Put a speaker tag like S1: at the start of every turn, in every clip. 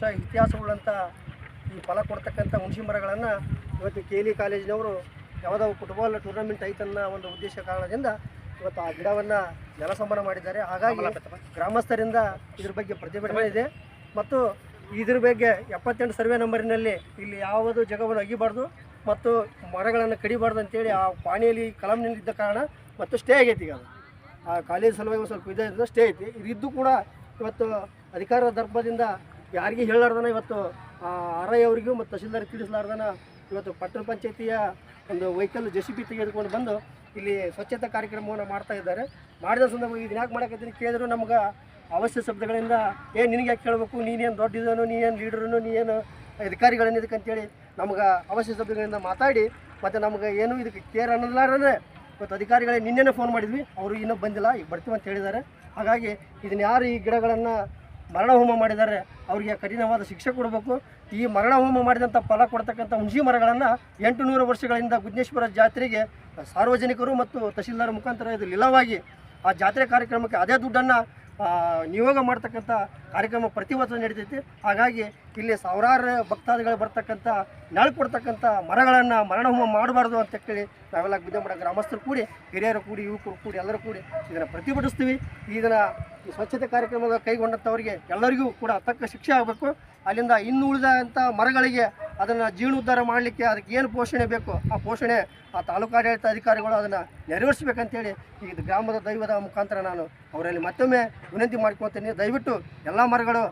S1: ವರ್ಷ ಇತಿಹಾಸವುಳ್ಳಂಥ ಈ ಫಲ ಕೊಡ್ತಕ್ಕಂಥ ಹುಣಸಿ ಮರಗಳನ್ನು ಇವತ್ತು KLE ಕಾಲೇಜಿನವರು ಯಾವುದೋ ಫುಟ್ಬಾಲ್ ಟೂರ್ನಮೆಂಟ್ ಐತನ್ನ ಒಂದು ಉದ್ದೇಶ ಕಾರಣದಿಂದ ಇವತ್ತು ಆ ಗಿಡವನ್ನು ಜಲಸಂಪನ್ನ ಮಾಡಿದ್ದಾರೆ. ಹಾಗಾಗಿ ಗ್ರಾಮಸ್ಥರಿಂದ ಇದ್ರ ಬಗ್ಗೆ ಪ್ರತಿಭಟನೆ ಇದೆ ಮತ್ತು ಇದ್ರ ಬಗ್ಗೆ 78 ಸರ್ವೆ ನಂಬರಿನಲ್ಲಿ ಇಲ್ಲಿ ಯಾವುದು ಜಾಗವನ್ನು ಅಗಿಬಾರ್ದು ಮತ್ತು ಮರಗಳನ್ನು ಕಡಿಬಾರ್ದು ಅಂತೇಳಿ ಆ ಪಾಣಿಯಲ್ಲಿ ಕಲಂನಿದ್ದ ಕಾರಣ ಮತ್ತು ಸ್ಟೇ ಆಗೈತಿ. ಈಗ ಆ ಕಾಲೇಜ್ ಸಲುವಾಗಿ ಸ್ವಲ್ಪ ಇದೆ ಸ್ಟೇ ಐತಿ. ಇದಿದ್ದು ಕೂಡ ಇವತ್ತು ಅಧಿಕಾರದ ದರ್ಪದಿಂದ ಯಾರಿಗೂ ಹೇಳಲಾರ್ದನ ಇವತ್ತು RI ಅವರಿಗೂ ಮತ್ತು ತಹಶೀಲ್ದಾರ್ ತಿಳಿಸಲಾರ್ದನ ಇವತ್ತು ಪಟ್ಟಣ ಪಂಚಾಯತಿಯ ಒಂದು ವೆಹಿಕಲ್ JCB ತೆಗೆದುಕೊಂಡು ಬಂದು ಇಲ್ಲಿ ಸ್ವಚ್ಛತಾ ಕಾರ್ಯಕ್ರಮವನ್ನು ಮಾಡ್ತಾ ಇದ್ದಾರೆ. ಮಾಡಿದ ಸಂದರ್ಭ ಇದನ್ನ ಯಾಕೆ ಮಾಡಕತ್ತೀನಿ ಕೇಳಿದ್ರು ನಮ್ಗೆ ಅವಶ್ಯ ಶಬ್ದಗಳಿಂದ ನಿನಗೆ ಯಾಕೆ ಕೇಳಬೇಕು, ನೀನೇನು ದೊಡ್ಡಿದನು, ನೀನೇನು ಲೀಡ್ರನು, ನೀನು ಅಧಿಕಾರಿಗಳನ್ನ ಇದಕ್ಕಂತೇಳಿ ನಮ್ಗೆ ಅವಶ್ಯ ಶಬ್ದಗಳಿಂದ ಮಾತಾಡಿ ಮತ್ತು ನಮ್ಗೆ ಏನು ಇದಕ್ಕೆ ಕೇರ್ ಅನ್ನಲಾರೇ ಇವತ್ತು ಅಧಿಕಾರಿಗಳೇ ನಿನ್ನೆನೇ ಫೋನ್ ಮಾಡಿದ್ವಿ, ಅವರು ಇನ್ನೂ ಬಂದಿಲ್ಲ, ಈಗ ಬರ್ತೀವಿ ಅಂತ ಹೇಳಿದ್ದಾರೆ. ಹಾಗಾಗಿ ಇದನ್ನು ಯಾರು ಈ ಗಿಡಗಳನ್ನು ಮರಣ ಹೋಮ ಮಾಡಿದ್ದಾರೆ ಅವರಿಗೆ ಕಠಿಣವಾದ ಶಿಕ್ಷೆ ಕೊಡಬೇಕು. ಈ ಮರಣ ಹೋಮ ಮಾಡಿದಂಥ ಫಲ ಕೊಡ್ತಕ್ಕಂಥ ಹುಣಸಿ ಮರಗಳನ್ನು 800 ವರ್ಷಗಳಿಂದ ಗುದ್ನೇಶ್ವರ ಜಾತ್ರೆಗೆ ಸಾರ್ವಜನಿಕರು ಮತ್ತು ತಹಶೀಲ್ದಾರ್ ಮುಖಾಂತರ ಇದು ಲೀಲವಾಗಿ ಆ ಜಾತ್ರೆ ಕಾರ್ಯಕ್ರಮಕ್ಕೆ ಅದೇ ದುಡ್ಡನ್ನು ನಿಯೋಗ ಮಾಡ್ತಕ್ಕಂಥ ಕಾರ್ಯಕ್ರಮ ಪ್ರತಿ ವರ್ಷ ನಡೀತೈತಿ. ಹಾಗಾಗಿ ಇಲ್ಲಿ ಸಾವಿರಾರು ಭಕ್ತಾದಿಗಳು ಬರ್ತಕ್ಕಂಥ ನೆರಳು ಕೊಡ್ತಕ್ಕಂಥ ಮರಗಳನ್ನು ಮರಣಹೋಮ ಮಾಡಬಾರ್ದು ಅಂತ ಹೇಳಿ ನಾವೆಲ್ಲ ಗುದ್ದೆಮಠ ಗ್ರಾಮಸ್ಥರು ಕೂಡಿ, ಹಿರಿಯರು ಕೂಡಿ, ಯುವಕರು ಕೂಡಿ, ಎಲ್ಲರೂ ಕೂಡಿ ಇದನ್ನು ಪ್ರತಿಭಟಿಸ್ತೀವಿ. ಇದನ್ನು ಈ ಸ್ವಚ್ಛತೆ ಕಾರ್ಯಕ್ರಮದ ಕೈಗೊಂಡಂಥವರಿಗೆ ಎಲ್ಲರಿಗೂ ಕೂಡ ತಕ್ಕ ಶಿಕ್ಷೆ ಆಗಬೇಕು. ಅಲ್ಲಿಂದ ಇನ್ನು ಉಳಿದಂಥ ಮರಗಳಿಗೆ ಅದನ್ನು ಜೀರ್ಣೋದ್ಧಾರ ಮಾಡಲಿಕ್ಕೆ ಅದಕ್ಕೆ ಏನು ಪೋಷಣೆ ಬೇಕು ಆ ಪೋಷಣೆ ಆ ತಾಲೂಕಾಡಳಿತ ಅಧಿಕಾರಿಗಳು ಅದನ್ನು ನೆರವೇರಿಸಬೇಕಂತೇಳಿ ಇದು ಗ್ರಾಮದ ದೈವದ ಮುಖಾಂತರ ನಾನು ಅವರಲ್ಲಿ ಮತ್ತೊಮ್ಮೆ ವಿನಂತಿ ಮಾಡ್ಕೊಳ್ತೀನಿ. ದಯವಿಟ್ಟು ಎಲ್ಲ ಮರಗಳು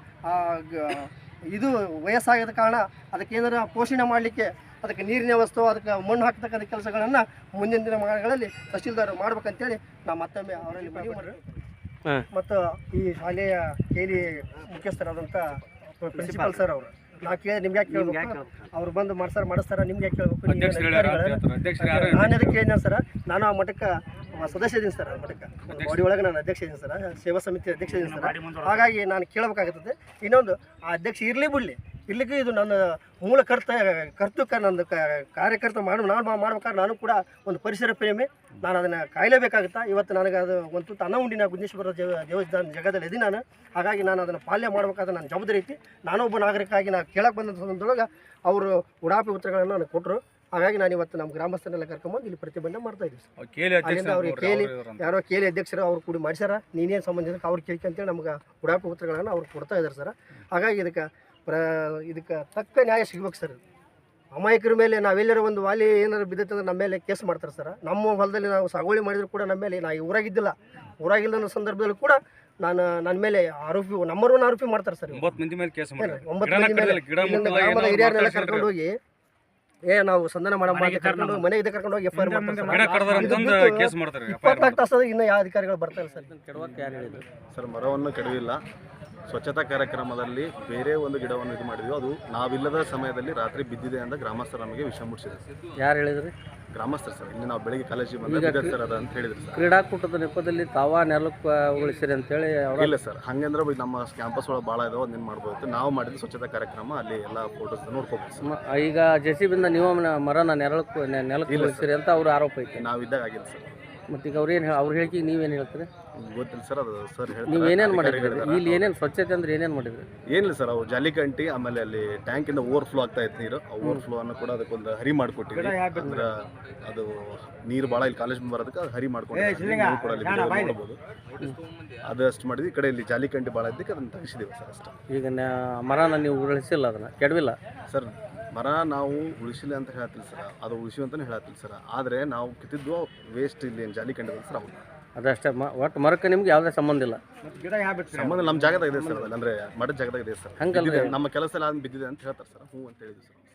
S1: ಇದು ವಯಸ್ಸಾಗಿದ ಕಾರಣ ಅದಕ್ಕೆ ಏನಾರ ಪೋಷಣೆ ಮಾಡಲಿಕ್ಕೆ ಅದಕ್ಕೆ ನೀರಿನ ವ್ಯವಸ್ಥೆ, ಅದಕ್ಕೆ ಮಣ್ಣು ಹಾಕ್ತಕ್ಕಂಥ ಕೆಲಸಗಳನ್ನು ಮುಂದಿನ ದಿನಮಾನಗಳಲ್ಲಿ ತಹಶೀಲ್ದಾರ್ ಮಾಡ್ಬೇಕಂತೇಳಿ ನಾವು ಮತ್ತೊಮ್ಮೆ ಅವರಲ್ಲಿ ಮನವಿ ಮಾಡಿ ಮತ್ತು ಈ ಶಾಲೆಯ KLE ಮುಖ್ಯಸ್ಥರಾದಂಥ ಪ್ರಿನ್ಸಿಪಾಲ್ ಸರ್ ಅವರು ನಾವು ಕೇಳಿ ನಿಮ್ಗೆ ಯಾಕೆ ಕೇಳಬೇಕು, ಅವ್ರು ಬಂದು ಮಾಡಿಸ್ತಾರ ನಿಮ್ಗೆ ಯಾಕೆ ಕೇಳಬೇಕು, ನಾನು ಅದಕ್ಕೆ ಹೇಳಿದ ಸರ್, ನಾನು ಆ ಮಠಕ್ಕೆ ಸದಸ್ಯ ಇದ್ದೀನಿ ಸರ್, ಆ ಮಠಕ್ಕೆ ಬಾಡಿ ಒಳಗೆ ನಾನು ಅಧ್ಯಕ್ಷ ಇದ್ದೀನಿ ಸರ್, ಸೇವಾ ಸಮಿತಿ ಅಧ್ಯಕ್ಷ ಇದ್ದೀನಿ ಸರ್. ಹಾಗಾಗಿ ನಾನು ಕೇಳಬೇಕಾಗುತ್ತದೆ. ಇನ್ನೊಂದು ಆ ಅಧ್ಯಕ್ಷ ಇರಲಿ ಬಿಡಲಿ, ಇಲ್ಲಿಗೂ ಇದು ನನ್ನ ಮೂಲ ನಂದು ಕಾರ್ಯಕರ್ತ ನಾನು ಮಾಡ್ಬೇಕಾದ್ರೆ ನಾನು ಕೂಡ ಒಂದು ಪರಿಸರ ಪ್ರೇಮಿ, ನಾನು ಅದನ್ನು ಕಾಯಲೇಬೇಕಾಗುತ್ತಾ. ಇವತ್ತು ನನಗೆ ಅದು ಒಂದು ತುತ್ತು ಅನ್ನ ಉಂಡಿನ ಗುದ್ನೇಶ್ವರ ದೇವಸ್ಥಾನ ಜಗದಲ್ಲಿ ಇದ್ದೀನಿ ನಾನು. ಹಾಗಾಗಿ ನಾನು ಅದನ್ನು ಪಾಲನೆ ಮಾಡಬೇಕಾದ್ರೆ ನನ್ನ ಜವಾಬ್ದಾರಿ ಐತಿ. ನಾನೊಬ್ಬ ನಾಗರಿಕರಾಗಿ ನಾನು ಕೇಳಕ್ಕೆ ಬಂದ ಸಂದರ್ಭದೊಳಗೆ ಅವರು ಉಡಾಪಿ ಉತ್ತರಗಳನ್ನು ನನಗೆ ಕೊಟ್ಟರು. ಹಾಗಾಗಿ ನಾನು ಇವತ್ತು ನಮ್ಮ ಗ್ರಾಮಸ್ಥರನ್ನೆಲ್ಲ ಕರ್ಕೊಂಬಂದು ಇಲ್ಲಿ ಪ್ರತಿಭಟನೆ ಮಾಡ್ತಾ ಇದ್ದೀವಿ ಸರ್. ಅಲ್ಲಿಂದ ಅವ್ರಿಗೆ ಯಾರೋ KLE ಅಧ್ಯಕ್ಷರು ಅವ್ರು ಕೂಡಿ ಮಾಡಿಸ್ಯಾರ, ನೀನೇನು ಸಂಬಂಧಿಸಿದಕ್ಕೆ ಅವ್ರು ಕೇಳ್ಕೊಂತೇಳಿ ನಮ್ಗೆ ಉಡಾಪಿ ಉತ್ತರಗಳನ್ನು ಅವ್ರು ಕೊಡ್ತಾ ಇದ್ದಾರೆ ಸರ್. ಹಾಗಾಗಿ ಇದಕ್ಕೆ ತಕ್ಕ ನ್ಯಾಯ ಸಿಗ್ಬೇಕು ಸರ್. ಅಮಾಯಕರ ಮೇಲೆ ನಾವೆಲ್ಲರೂ ಒಂದು ವಾಲಿ ಏನಾದ್ರು ಬಿದ್ದೈತಂದ್ರೆ ನಮ್ಮ ಮೇಲೆ ಕೇಸ್ ಮಾಡ್ತಾರೆ ಸರ್. ನಮ್ಮ ಹೊಲದಲ್ಲಿ ನಾವು ಸಾಗುವಳಿ ಮಾಡಿದ್ರು ಕೂಡ ನಮ್ಮ ಮೇಲೆ, ನಾನು ಊರಾಗಿದ್ದಿಲ್ಲ, ಊರಾಗಿಲ್ಲ ಅನ್ನೋ ಸಂದರ್ಭದಲ್ಲಿ ಕೂಡ ನನ್ನ ಮೇಲೆ ನಮ್ಮರನ್ನು ಆರೋಪಿ ಮಾಡ್ತಾರೆ ಸರ್. 9 ಮಂದಿ ಮೇಲೆ ಕೇಸ್ ಮಾಡ್ತಾರೆ. 9 ಮಂದಿ ಮೇಲೆ ಗ್ರಾಮದ ಹಿರಿಯರನ್ನೆಲ್ಲ ಕರ್ಕೊಂಡು ಹೋಗಿ ನಾವು ಸಂಧಾನ ಕರ್ಕೊಂಡು ಹೋಗಿ ಮನೆಗೆ ಕರ್ಕೊಂಡು ಹೋಗಿ FIR ಮಾಡ್ತಾರೆ. 24 ತಾಸು ಇನ್ನು ಯಾವ ಅಧಿಕಾರಿಗಳು ಬರ್ತಾರೆ ಸರ್.
S2: ಸರ್ ಮರವನ್ನು ಕೆಡವಿಲ್ಲ, ಸ್ವಚ್ಛತಾ ಕಾರ್ಯಕ್ರಮದಲ್ಲಿ ಬೇರೆ ಒಂದು ಗಿಡವನ್ನು ಇದು ಮಾಡಿದ್ವಿ, ಅದು ನಾವಿಲ್ಲದ ಸಮಯದಲ್ಲಿ ರಾತ್ರಿ ಬಿದ್ದಿದೆ ಅಂತ ಗ್ರಾಮಸ್ಥರು ನಮಗೆ ವಿಷಯ ಮುಟ್ಟಿಸಿದ್ರು.
S3: ಯಾರು ಹೇಳಿದ್ರಿ?
S2: ಗ್ರಾಮಸ್ಥರು ಸರ್. ಇಲ್ಲಿ ನಾವು ಬೆಳಿಗ್ಗೆ ಕಾಲೇಜಿಗೆ ಬಂದಾಗ ಸರ್ ಅದ ಅಂತ ಹೇಳಿದ್ರು ಸರ್.
S3: ಕ್ರೀಡಾಕೂಟದ ನೆಪದಲ್ಲಿ ತಾವ ನೆಲಕ್ಕೆ ಉಳಿಸಿರಿ ಅಂತೇಳಿ
S2: ಇಲ್ಲ ಸರ್, ಹಂಗಂದ್ರೆ ನಮ್ಮ ಕ್ಯಾಂಪಸ್ ಒಳಗೆ ಭಾಳ ಇದಾವೆ, ಅದನ್ನ ಮಾಡ್ಬೋದು. ನಾವು ಮಾಡಿದ ಸ್ವಚ್ಛತಾ ಕಾರ್ಯಕ್ರಮ ಅಲ್ಲಿ ಎಲ್ಲ ಫೋಟೋಸ್ ನೋಡ್ಕೋಬೋದು ಸರ್.
S3: ಈಗ JCB ನೀವು ಮರನ ನೆಲಕ್ಕೆ ಉಳಿಸಿರಿ ಅಂತ ಅವ್ರ ಆರೋಪ ಐತೆ.
S2: ನಾವು ಇದ್ದಾಗ ಆಗಿಲ್ಲ ಸರ್.
S3: ಮತ್ತು ಈಗ ಅವ್ರು ಹೇಳಿಕೆ ನೀವೇನು ಹೇಳ್ತೀರಿ?
S2: ಗೊತ್ತಿಲ್ಲ ಸರ್, ಅದು ಸರ್ ಹೇಳಿ.
S3: ನೀವು ಏನೇನು ಮಾಡಿದ್ರಿ ಇಲ್ಲಿ? ಏನೇನು ಸ್ವಚ್ಛತೆ ಅಂದ್ರೆ ಏನೇನು ಮಾಡಿದ್ರಿ?
S2: ಏನಿಲ್ಲ ಸರ್, ಅವು ಜಾಲಿಕಂಟಿ, ಆಮೇಲೆ ಅಲ್ಲಿ ಟ್ಯಾಂಕಿಂದ ಓವರ್ಫ್ಲೋ ಆಗ್ತಾ ಇತ್ತು ನೀರು, ಓವರ್ಫ್ಲೋ ಅನ್ನು ಕೂಡ ಅದಕ್ಕೊಂದು ಹರಿ ಮಾಡಿಕೊಟ್ಟಿದ್ವಿ. ಅಂದ್ರೆ ಅದು ನೀರು ಭಾಳ ಇಲ್ಲಿ ಕಾಲೇಜ್ ಬರೋದಕ್ಕೆ ಅದು ಹರಿ ಮಾಡ್ಕೊಂಡು ಕೂಡ ಅಲ್ಲಿ ನೋಡ್ಬೋದು. ಅದು ಅಷ್ಟು ಮಾಡಿದ್ವಿ. ಈ ಕಡೆ ಇಲ್ಲಿ ಜಾಲಿಕಂಟಿ ಭಾಳ ಇದ್ದಕ್ಕೆ ಅದನ್ನು ತೆಗಿಸಿದ್ದೀವಿ ಸರ್ ಅಷ್ಟು.
S3: ಈಗ ಮರನ ನೀವು ಉಳಿಸಿಲ್ಲ, ಅದನ್ನು ಕೆಡವಿಲ್ಲ
S2: ಸರ್. ಮರ ನಾವು ಉಳಿಸಿಲ್ಲ ಅಂತ ಹೇಳ್ತಿಲ್ಲ ಸರ್, ಅದು ಉಳಿಸಿ ಅಂತಲೇ ಹೇಳ್ತಿಲ್ಲ ಸರ್. ಆದರೆ ನಾವು ಕಿತ್ತಿದ್ದು ವೇಸ್ಟ್ ಇಲ್ಲಿ ಜಾಲಿಕಂಡಿ ಸರ್, ಅವ್ರು
S3: ಅದಷ್ಟೇ. ಒಟ್ಟು ಮರಕ್ಕೆ ನಿಮ್ಗೆ ಯಾವುದೇ ಸಂಬಂಧ ಇಲ್ಲ?
S2: ಸಂಬಂಧ ನಮ್ಮ ಜಾಗದಾಗ ಇದೆ ಸರ್, ಅಂದರೆ ಮಠದ ಜಾಗದಾಗ ಇದೆ ಸರ್. ಹಂಗಲ್ಲ, ನಮ್ಮ ಕೆಲಸ ಎಲ್ಲ ಬಿದ್ದಿದೆ ಅಂತ ಹೇಳ್ತಾರೆ ಸರ್. ಹ್ಞೂ ಅಂತ ಹೇಳಿದ್ವಿ ಸರ್.